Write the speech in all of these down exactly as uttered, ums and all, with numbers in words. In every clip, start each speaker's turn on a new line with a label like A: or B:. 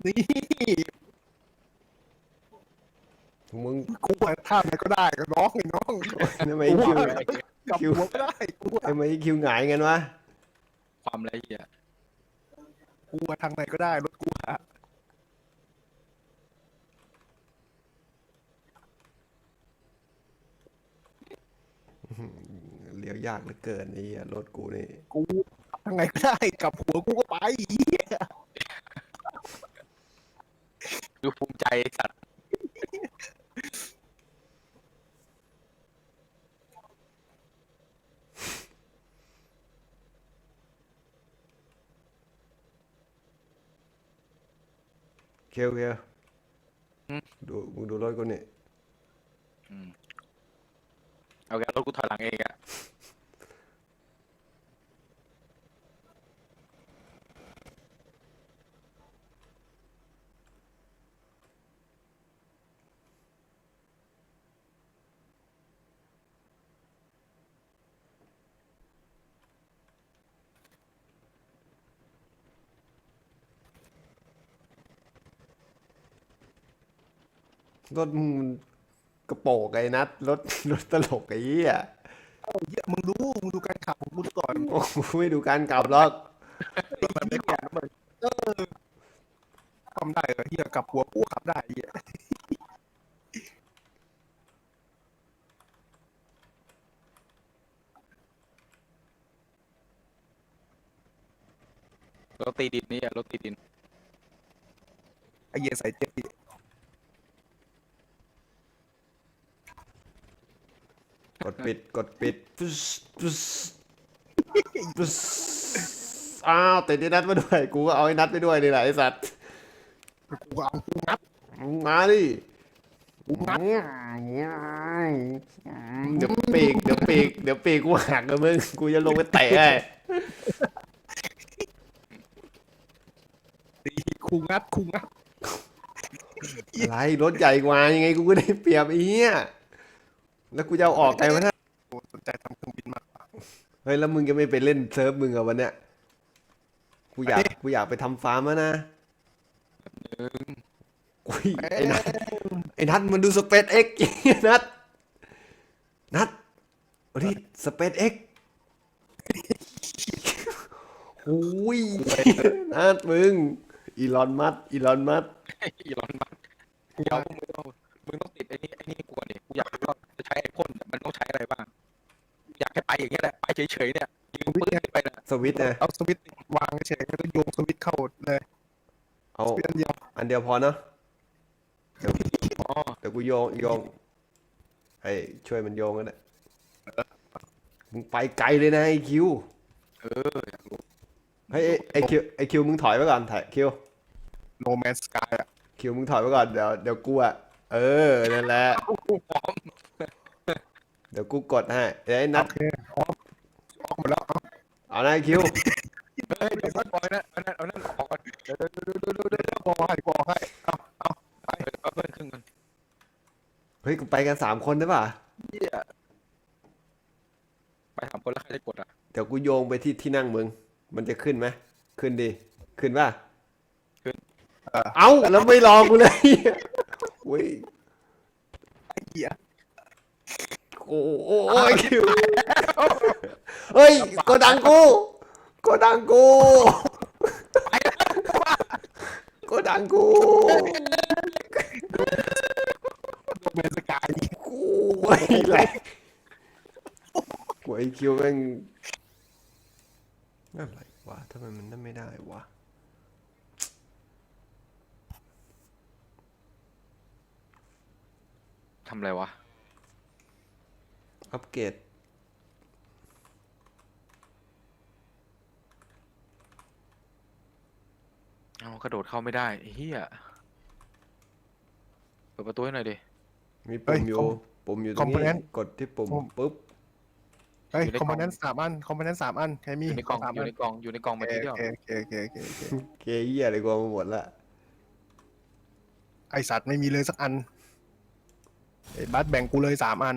A: นี่
B: มึง
A: กูอะท่าไหนก็ได้ก็น้องไอ้น้อง
B: ทำไม
A: กู
B: คิว
A: อะกลับหัวไม่ได้กูอะ
B: ทำไมคิวหงายกันวะ
C: ความละเอียด
A: กูอะทางไหนก็ได้รถกูอะ
B: เลี้ยวยากเหลือเกินไอ้เหี้ยรถกูนี่
A: กูทางไหนก็ได้กลับหัวกูก็ไปเหี้ย
C: ดูภูมิใจสัตว์
B: เคียวเคียวดูมึงดูรถกูนี่
C: เอาแกรถกูถอยหลังเองอะ
B: รถมึงมันกระโปงไอ้นัดรถรถตลกไอ้เหี้ย
A: เอาเหี้ยมึงดูมึงดูการขับของกูก่อน
B: โอ้โหไม่ดูการกลับหรอก
A: มันไม่ขับมันเออทำได้เหรอเหี้ยกลับหัวกูขับได้เหี้ย
C: รถตีดินนี่อะรถตีดิน
A: ไอ้เหี้ยใส่เจ็บดิ
B: กดปิดกดปิดปุ๊สปุ๊สปุ๊สอ้าวติดไอ้นัดมาด้วยกูก็เอาไอ้นัดไปด้วยนี่แหละไอ้สัตว์
A: กูก็เอากูงัด
B: มึงมาดิ
A: กูงัด
B: เดี๋ยวปีกเดี๋ยวปีกเดี๋ยวปีกกูหักกับมึงกูจะลงไปเตะไอ้
A: ตีกูงัดกูงัด
B: อะไรรถใหญ่กว่ายังไงกูก็ได้เปรียบไอ้เหี้ยแล้วกูจะเอาออกไงวะเนี่ย
A: กูสนใจทำเครื่องบินมากกว่า
B: เฮ้ยแล้วมึงจะไม่ไปเล่นเซิร์ฟมึงเหรอวันเนี้ยกูอยาก
A: ไปดิ
B: กูอยากไปทำฟาร์มแล้วนะ
C: หนึ่ง
B: อุ้ยไอ้นัทไอ้นัทมันดูสเปซเอ็กซ์นัทนัทวันนี้สเปซเอ็กซ์โอ้ยนัทมึงอีลอนมัสอีลอนมัส
C: อีลอนมัสก์เดี๋ยวมึงต้องมึงต้องติดไอ้นี่ไอ้นี่กูก่อนดิกูอยากรู้ว่าจะใช้ไอพ่นเนี่ยมันต้องใช้อะไรบ้างอยากให้ไปอย่างเงี้ยแหละไปเฉยๆเนี่ยยืนปื้นไปนะ
B: สวิตช์นะ
A: เอาสวิตช์วางเฉยๆแล้วก็โยงสวิตช์เข้าเลย
B: เอา
A: สวิตช์อันเดียว
B: อันเดียวพอเนาะเดี๋ยว
C: อ๋อ
B: เดี๋ยวกูโยงโยงให้ช่วยมันโยงกันนะมึงไปไกลเลยนะไอคิว
C: เอออยากรู้
B: เฮ้ยไอคิวไอคิวมึงถอยไปก่อนถ่ายคิว
A: โนแมนสกายอะ
B: คิวมึงถอยไปก่อนเดี๋ยวเดี๋ยวกูอะเออนั่นแหละ
C: กูพร้อม
B: เดี๋ยวกูกดให้เดี๋ยวไอ้นั
A: โอ
B: ด
A: เคออกออกหมดแล้วเอา
B: เอานะไอ้คิว
C: เฮ้ยเดี๋ยวก่อนนะเอานั่นเอานั่นออกก่อนเดี๋ยวเดี๋ยวเดี๋ยวเดี๋ยวเดี๋ยวเดี๋ยว
A: เดี๋ยวบอกให้บอกให้เอาเอา
C: เอาเพิ่มครึ่งกัน
B: เฮ้ยกูไปกันสามคนได้ป่ะ
C: เหี้ยไปถามคนแล้วใครจะกดอ่ะ
B: เดี๋ยวกูโยงไปที่ที่นั่งมึงมันจะขึ้นไหมขึ้นดิขึ้นป่ะ
A: เออ
B: เอ้าแล้วไม่รอกูเลยโอ้ย
A: ไอ้เหี้ย
B: โอ้โอ้โอ้ยคิวเฮ้ยโกดังกูโกดังกูโกดังกู
A: โนแมนสกาย
B: กูไอ้แหละกูไอ้คิวแม่งอะไรวะทำไมมันนั่นไม่ได้วะ
C: ทำอะไรวะ
B: อัปเกรด
C: เอากระโดดเข้าไม่ได้ไอ้เฮียเปิดประตูให้หน่อยดิ
B: มีปุ่มอยู่ปุ่มอยู่ตรงนี้กดที่ปุ่มปุ๊บ
A: เฮ้ยคอมโพเนนต์สามอันคอมโพเนนต์สามอันใครมี
C: อยู่ในกล่อง
A: สาม
C: อ
A: อั
C: ยู่
A: น
C: ในกล่องอยู่ในกล่อง
A: โอ
C: มา
A: เค
C: ทีเดียว
A: โอเคโอเคโอเคโอเคโอเค
B: เกย์เหี้ยอะไรกูเอามาหมดละ
A: ไอสัตว์ไม่มีเลยสักอันไอ้บัสแบ่งกูเลยสามอัน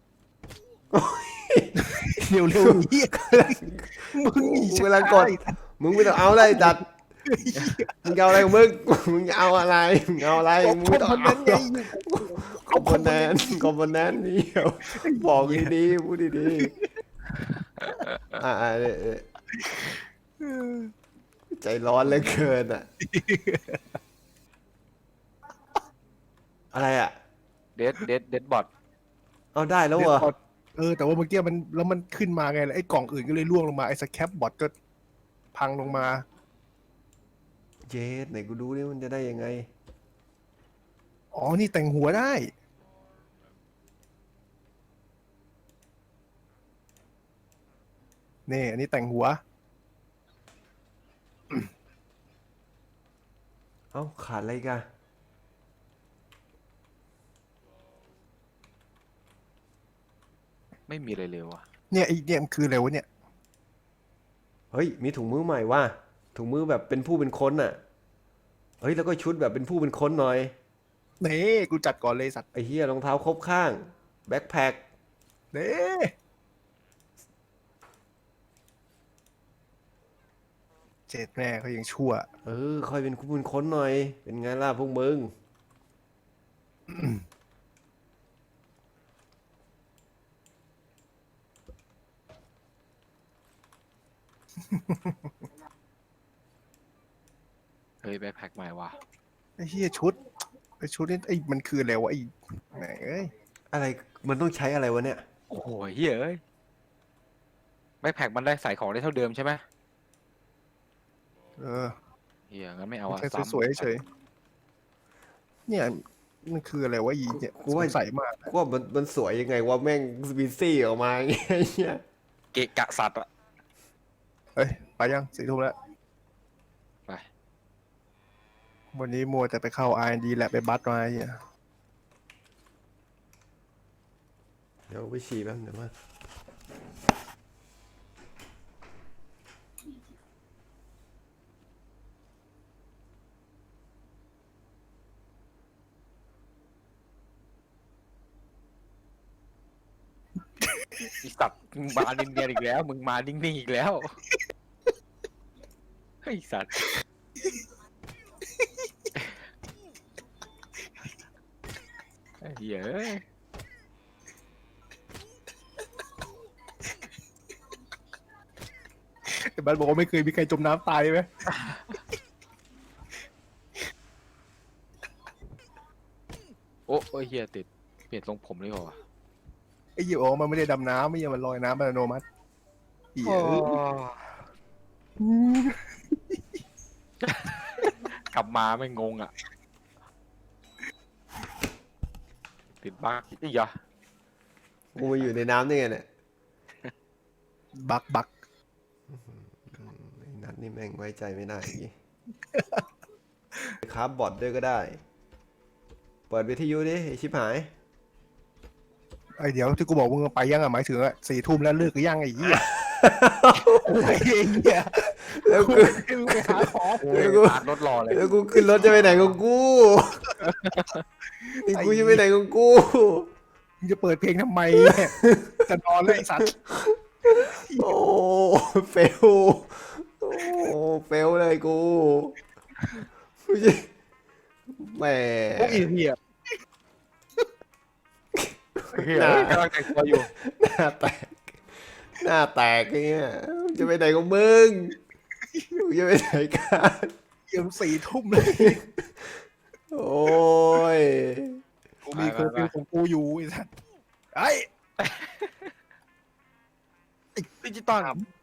A: เร็วเร็วๆเหี้ยมึงหนี
B: กูกำลังกดมึงไม่ต้องเอาอะไรจัดมึงเอาอะไรของมึงมึงเอาอะไรมึงเอาอะไรมึงไม่ต้อง
A: คอมโพ
B: เอา
A: เนนต์ไง
B: คอมโพเนนต์คอมโพเนนต์นี่บอกดีๆพูดดีๆอ่าใจร้อนเหลือเกินอ่ะอะไรอ่ะ
C: เดดเดดเดดบอท
B: เอาได้แล้วเหรอ
A: เออแต่ว่าเมื่อกี้มันแล้วมันขึ้นมาไงไอ้กล่องอื่นก็เลยร่วงลงมาไอ้สแคปบอทก็พังลงมา
B: เจสไหนกูดูดิมันจะได้ยังไง
A: อ๋อนี่แต่งหัวได้นี่อันนี้แต่งหัว
B: เอ้าขาดอะไรกัน
C: ไม่มีอะไรเลยว่ะ
A: เนี่ยไอ้เนี่ยมันคืออะไรวะเนี่ย
B: เฮ้ยมีถุงมือใหม่ว่ะถุงมือแบบเป็นผู้เป็นคนน่ะเฮ้ยแล้วก็ชุดแบบเป็นผู้เป็นคนหน่อย
A: นี่กูจัดก่อนเลยสัตว์
B: ไอ้เหี้ยรองเท้าครบข้างแบ็คแพ็ค
A: นี่เจ็ดแม่เขายังชั่ว
B: เออค่อยเป็นผู้เป็นคนหน่อย เป็นไงล่ะพวกมึง
C: เฮ้ยแบ็คแพ็คใหม่ว่ะ
A: ไอ้เหี้ยชุดไอ้ชุดนี่ไอ้มันคืออะไรวะไอ้แหมเอ้ย
B: อะไรมันต้องใช้อะไรวะเนี่ย
C: โอ้โหเฮ้ยเอ้ยแบ็คแพ็คมันได้ใส่ของได้เท่าเดิมใช่ไหม
A: เออ
C: เฮียงั้นไม่เอาอะ
A: แค่
C: ซ้ำ
A: สวยๆเฉยๆเนี่ยมันคืออะไรวะอีเนี่ย
B: กู
A: ส
B: ว่า
A: งสัยมาก
B: กูว่ามันมันสวยยังไงว่าแม่งบีซี่ออกมาอย่างเงี้ย
C: เกะกะสัตว์อะ
A: เฮ้ยไปยังสี่ทุ่มแล้ว
C: ไป
A: วันนี้มัวแต่ไปเข้า อาร์ แอนด์ ดี แลบไปบัสมาไอ้เหี้ย
B: เดี๋ยวไปฉี่แป๊บเดี๋ยวมา
C: ไอสัตว์มึงมานิ่งๆอีกแล้ว มึงมานิ่งๆอีกแล้วไอสัตว์ไอ้เหี้ยเอ้ย
A: ไอ้บัสบอกว่าไม่เคยมีใครจมน้ำตายไหม
C: โอ้โอ้ยเฮียติดเปลี่ยนทรงผมเลยเหรอวะ
A: ไอ้เหี้ยอ๋อมันไม่ได้ดำน้ำไม่ใช่มันลอยน้ำอัตโนมัติเหี้ย
C: กลับมาไม่งงอ่ะ ติดบ้าอีกเหรอ
B: กูมาอยู่ในน้ำได้ไงเนี่ย
A: บักบัก
B: ไอ้นัดนี่แม่งไว้ใจไม่ได้อย่างงี้ ครับบอทด้วยก็ได้ เปิดวิทยุดิไอ้ชิบหาย
A: ไอ้เดี๋ยวที่กูบอกมึงไปยังอ่ะหมายถึงอ่ะสี่ทุ่มแล้วเลิกหรือยังไอ้เหี้ยอะไรเงี้ย
B: แล้วกู
A: มึงไปหาของ
C: โอ้ยตาดรถรอเลย
B: แล้วกูขึ้นรถจะไปไหนของกูนี่กูจะไปไหนของกู
A: มึงจะเปิดเพลงทำไมเนี่ยจะนอนเลยไอ้สัตว์
B: โอ้เฟลโอ้เฟลเลยกูไม่ใช่แหม
A: พวกอีเหี้ย
C: เฮียกำลังแต่งตัวอยู่
B: หน้าแตกหน้าแตกอย่างเงี้ยจะไปไหนของมึงมึงจะไปไหนกัน
A: เยี่ยมสี่ทุ่มเลย
B: โอ้ย
A: กูมีเคอร์ฟิวของกูอยู่ไอ้สัตว์ไอ้
C: ดิจิตอล